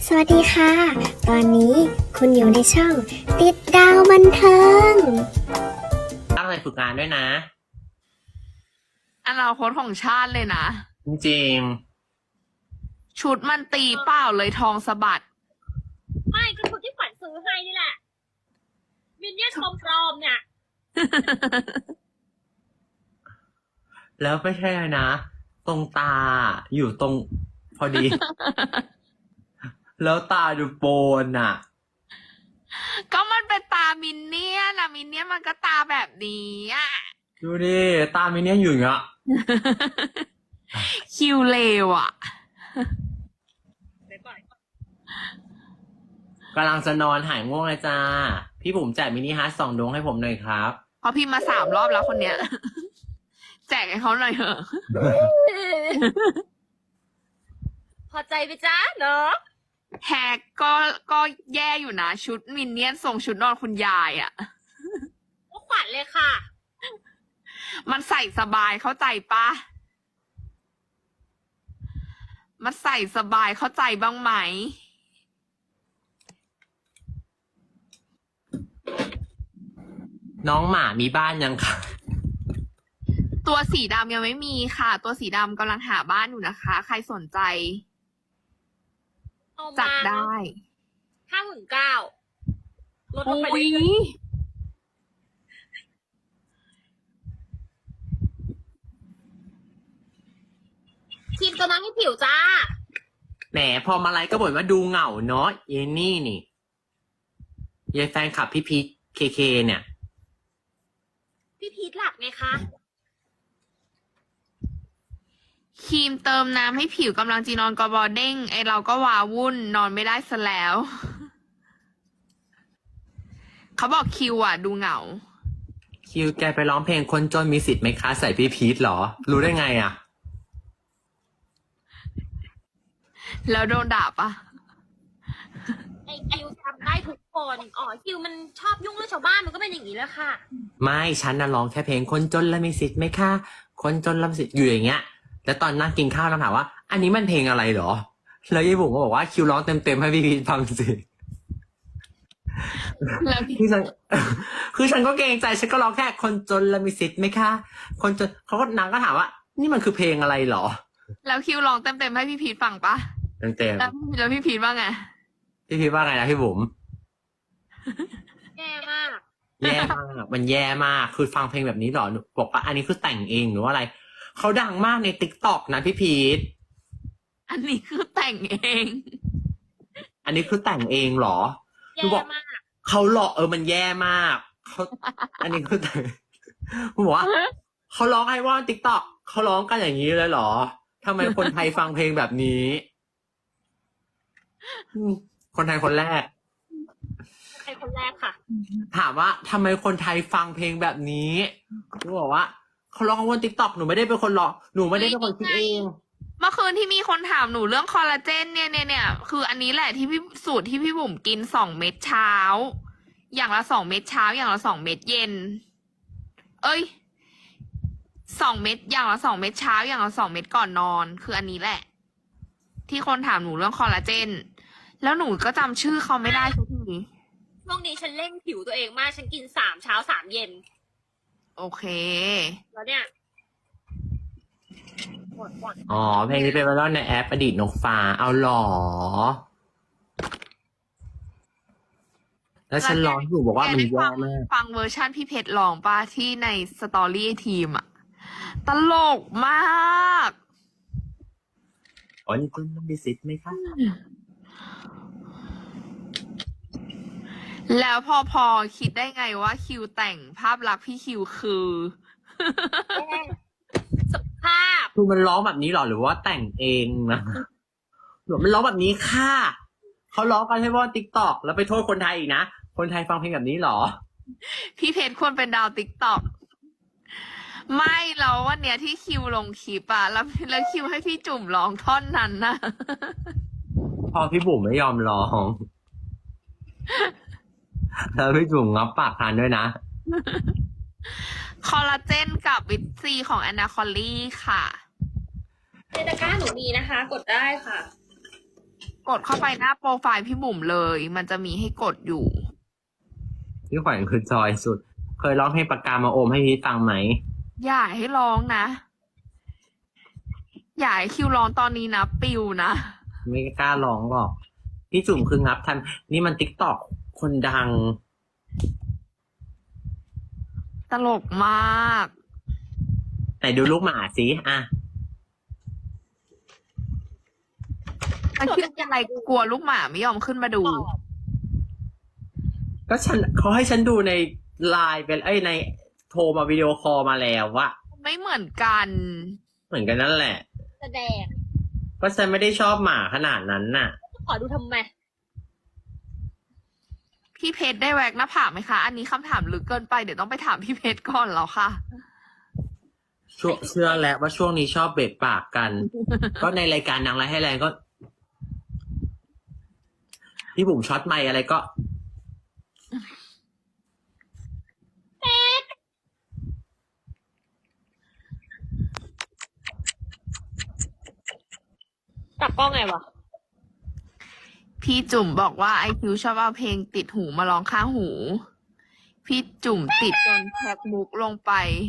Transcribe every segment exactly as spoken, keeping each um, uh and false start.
สวัสดีค่ะ ตอนนี้คุณอยู่ในช่องติดดาวบันเทิงตั้งใจฝึกงานด้วยนะอนาคตของชาติเลยนะจริงชุดมันตีเปล่าเลยทองสะบัดไม่ก็ชุดที่ขวัญซื้อให้นี่แหละ มินเนี่ยนปลอมๆเนี่ยๆแล้วไม่ใช่เลยนะ ตรงตาอยู่ตรงพอดี แล้วตาดูโปนอ่ะก็มันเป็นตามินเนี่ยนอะมินเนี่ยนมันก็ตาแบบนี้อะดูดิตามินเนี่ยอยู่อย่างเงี้ยคิวเลวอะกำลังจะนอนหายง่วงเลยจ้า พี่บุ๋มแจกมินิฮาร์ทสองดวงให้ผมหน่อยครับเพราะพี่มาสามรอบแล้วคนเนี้ย แจกให้เขาหน่อยเถอะพอใจไปจ้าเนาะแฮกก็ก็แย่อยู่นะ ชุดมินเนี่ยนส่งชุดนอนคุณยายอะก็ขวัญเลยค่ะมันใส่สบายเข้าใจปะมันใส่สบายเข้าใจบ้างไหมน้องหมามีบ้านยังคะตัวสีดำยังไม่มีค่ะ ตัวสีดำกำลังหาบ้านอยู่นะคะ ใครสนใจเอาจัมาดได้ห้าหมื่นเก้าลดลงไปอุ้ยเรื่อยๆทีมตัวนั้นให้ผิวจ้าแหมพอมาไลฟ์ก็บ่นว่าดูเหงาเนาะเยนี่นี่ยายแฟนคลับพี่พีคเคเคเนี่ยพี่พีทหลับไงคะครีมเติมน้ำให้ผิวกำลังจีนอนกอบอเด้งไอเราก็วาวุ่นนอนไม่ได้ซะแล้ว เขาบอกคิวอ่ะ ดูเหงาคิวแกไปร้องเพลงคนจนมีสิทธิ์ไหมคะใส่พี่พีทเหรอ รู้ได้ไงอ่ะแล้วโดนด่าปะไอคิวจำได้ทุกคน อ๋อคิวมันชอบยุ่งเรื่องชาวบ้านมันก็เป็นอย่างนี้แหละค่ะไม่ฉันน่ะร้องแค่เพลงคนจนและมีสิทธิ์ไหมคะคนจนและมีสิทธิ์อยู่อย่างเงี้ยแล้วตอนนั่งกินข้าวเราถามว่า อันนี้มันเพลงอะไรเหรอ แล้วยายบุ๋มก็บอกว่าคิวร้องเต็มๆให้พี่พีทฟังสิแล้วพี่คือฉัน คือฉันก็เกรงใจฉันก็ร้องแค่คนจนและมีสิทธิ์ไหมคะคนจนเขาก็นางก็ถามว่า นี่มันคือเพลงอะไรเหรอแล้วคิวลองเต็มๆให้พี่พีทฟังปะเต็มแล้วแล้วพี่พีทว่าไงๆพี่พีทว่าไงนะพี่บุ๋มแย่มากแย่มาก มันแย่มาก คือฟังเพลงแบบนี้เหรอหนูบอกว่าอันนี้คือแต่งเองหรือว่าอะไร เขาดังมากในติ๊กต็อกนะพี่พีทอันนี้คือแต่งเองอันนี้คือแต่งเองเหรอหนูแย่บอกมากเขาหลอกเออมันแย่มากเขาอันนี้คือแต่งหนูบอกว่าเขาร้องไอวอนติ๊กต็อกเขาร้องกันอย่างนี้เลยเหรอทำไมคนไทยฟังเพลงแบบนี้อืมคนไทยคนแรกใครคนแรกค่ะถามว่าทำไมคนไทยฟังเพลงแบบนี้หนูบอกว่าเขาร้องบนติ๊กต็อกหนูไม่ได้เป็นคนร้องหนูไม่ได้เป็นคนคิดเองเมื่อคืนที่มีคนถามหนูเรื่องคอลลาเจนเนี่ยเนี่ยเนี่ยคืออันนี้แหละที่พี่สูตรที่พี่บุ๋มกินสองเม็ดเช้า อย่างละสองเม็ดเช้า อย่างละสองเม็ดเย็น เอ้ยสองเม็ดอย่างละสองเม็ดเช้า อย่างละสองเม็ดก่อนนอน คืออันนี้แหละ ที่คนถามหนูเรื่องคอลลาเจน แล้วหนูก็จำชื่อเขาไม่ได้สักทีช่วงนี้ฉันเร่งผิวตัวเองมาก ฉันกินสามเช้าสามเย็นโอเคแล้วเนี่ยหมดหมดอ๋อเพลงนี้เป็นไวรัลในแอปอดีตนกฟ้าเอาหรอ แล้วฉันร้องอยู่บอกว่ามันแกได้แย่ฟังมากฟังเวอร์ชันพี่เพชรร้องป่ะที่ในสตอรี่ทีมอะตลกมากอ๋อนี่คุณมีสิทธิ์ไหมคะแล้วพอพอคิดได้ไงว่าคิวแต่งภาพลักษณ์พี่คิวคือสภาพคือมันร้องแบบนี้หรอหรือว่าแต่งเองนะหรือมันร้องแบบนี้ค่ะเขาร้องกันให้ว่าติ๊กต็อกแล้วไปโทษคนไทยอีกนะคนไทยฟังเพลงแบบนี้หรอพี่เพชรควรเป็นดาวติ๊กต็อกไม่แล้ววันเนี้ยที่คิวลงคลิปอะแล้วแล้วคิวให้พี่จุ่มร้องท่อนนั้นนะพอพี่บุ๋มไม่ยอมร้อง แล้วพี่จุ๋มงับปากทานด้วยนะคอลลาเจนกับวิตซีของแอนนาคอลลี่ค่ะในตะกร้าหนูมีนะคะ กดได้ค่ะกดเข้าไปหน้าโปรไฟล์พี่บุ๋มเลย มันจะมีให้กดอยู่พี่ขวัญคือจอยสุด เคยร้องเพลงปากกามาโอมให้พี่ฟังไหมอย่าให้ร้องนะ อย่าให้คิวร้องตอนนี้นะ ปิวนะไม่กล้าร้องหรอก พี่จุ่มคืองับทัน นี่มันติ๊กตอกคนดังตลกมากแต่ดูลูกหมาสิอ่ะแต่คิดอะไรกลัวลูกหมาไม่ยอมขึ้นมาดูก็ฉันเขาให้ฉันดูในไลน์เป็นเอ้ยในโทรมาวิดีโอคอลมาแล้วว่าไม่เหมือนกันเหมือนกันนั่นแหละแสดงก็ฉันไม่ได้ชอบหมาขนาดนั้นน่ะขอดูทำไมพี่เพชรได้แวกหน้าผากไหมคะ อันนี้คำถามลึกเกินไปเดี๋ยวต้องไปถามพี่เพชรก่อนแล้วค่ะช่วงเชื่อแล้วว่าช่วงนี้ชอบเบรกปากกัน ก็ในรายการนางร้ายให้แรงก็ พี่บุ๋มช็อตไมค์อะไรก็ตักกล้องไงวะพี่จุ่มบอกว่าไอคิวชอบเอาเพลงติดหูมาร้องข้างหู พี่จุ่มติดจนแท็กมุกลงไป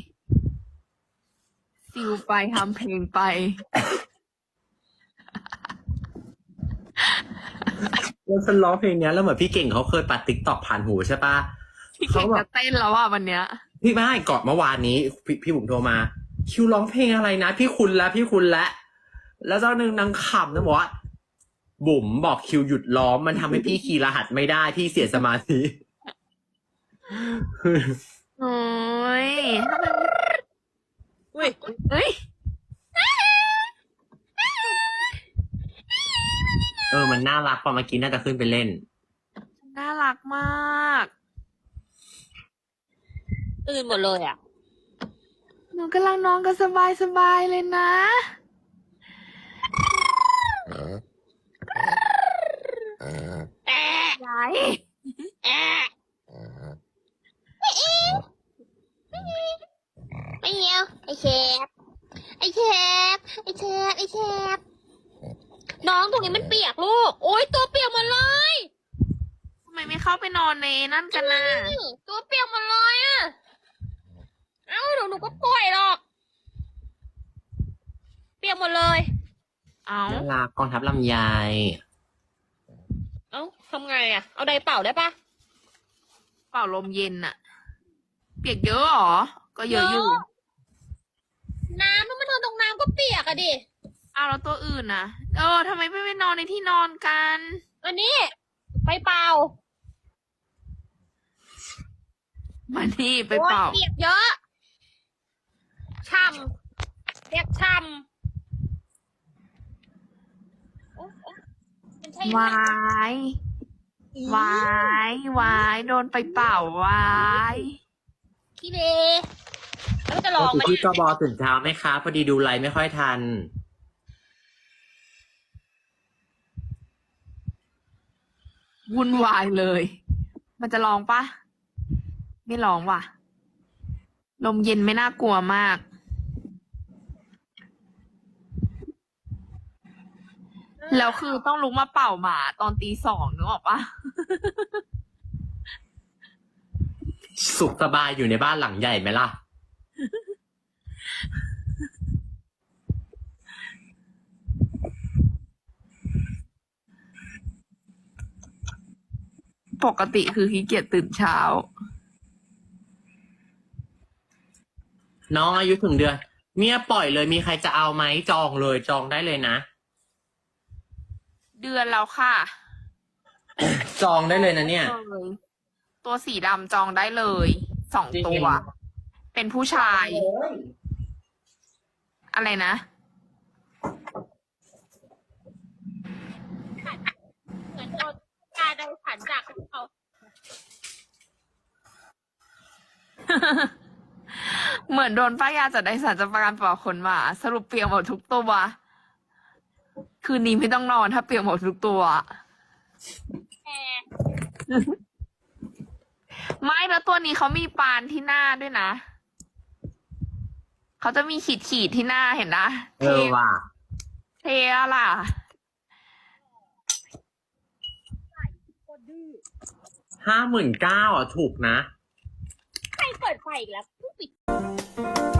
ซิวไปทำเพลงไปแล้วฉันร้องเพลงเนี้ยแล้วเหมือนพี่เก่งเขาเคยปัดติ๊กตอกผ่านหูใช่ปะพี่เก่งจะเต้นแล้วอ่ะวันเนี้ยพี่ไม่ให้ก่อนเมื่อวานนี้พพี่บุ๋มโทรมา คิวร้องเพลงอะไรนะ พี่คุณแล้วพี่คุณแล้วแล้วเจ้าหนึ่งนางขำนะบอกว่า บุ๋มบอกคิวหยุดร้องมันทำให้พี่คีย์รหัสไม่ได้พี่เสียสมาธิโอ้ยอุ้ยเอ้ยเออมันน่ารักพอเมื่อกี้น่าจะขึ้นไปเล่นน่ารักมากตื่นหมดเลยอ่ะหนูกำลังนอนกันสบายสบายๆเลยนะยายไม่เงี้ยวไอเชฟไอเชฟไอเชฟไอเชฟน้องตรงนี้มันเปียกลูก โอ๊ยตัวเปียกหมดเลยทำไมไม่เข้าไปนอนในนั่นกันนะตัวเปียกหมดเลยอ่ะ เอ้าเดี๋ยวหนูก็ป่วยหรอก เปียกหมดเลยเอาน่ารักกองทัพลำไยเอ้าทำไงอ่ะ เอาไดร์เป่าได้ปะเป่าลมเย็นอะเปียกเยอะเหรอ ก็เยอะอยู่น้ำมันมานอนตรงน้ำก็เปียกอะดิเอาแล้วตัวอื่นนะเออทำไมไม่ไปนอนในที่นอนกันอันนี้ไปเป่ามานี่ไปเป่าโอ๊ยเปียกเยอะช่ำเปียกช่ำโอ๊ยโอ๊ยมันใช่วายวายวายโดนไปเป่าวายขี้เลแล้วจะลปอก งติไหมพี่กบอตื่นเช้าไหมคะพอดีดูไลฟ์ไม่ค่อยทันวุ่นวายเลย มันจะลองปะไม่ลองว่ะ ลมเย็นไม่น่ากลัวมาก แล้วคือต้องลุกมาเป่าหมาตอนตีสองนึกออกปะสุขสบายอยู่ในบ้านหลังใหญ่ไหมล่ะปกติคือขี้เกียจตื่นเช้าน้องอายุถึงเดือนเนี่ยปล่อยเลยมีใครจะเอาไหมจองเลยจองได้เลยนะเดือนแล้วค่ะจองได้เลยนะเนี่ยเลยตัวสีดำจองได้เลย สองจริงตัว เป็นผู้ชาย อะไรนะเหมือนโดนการไดสันจากเขาเหมือนโดนป้ายยาจัดได้สารจะประกันปล่าขนหมา สรุปเปียกหมดทุกตัว คืนนี้ไม่ต้องนอนถ้าเปียกหมดทุกตัวแอร์ไม่แล้วตัวนี้เขามีปานที่หน้าด้วยนะ เขาจะมีขีดขีดๆที่หน้าเห็นนะเออว่ะเทอะล่ะดื้อห้าหมื่นเก้าอ่ะถูกนะใครเปิดไฟอีกแล้วเพิ่งปิด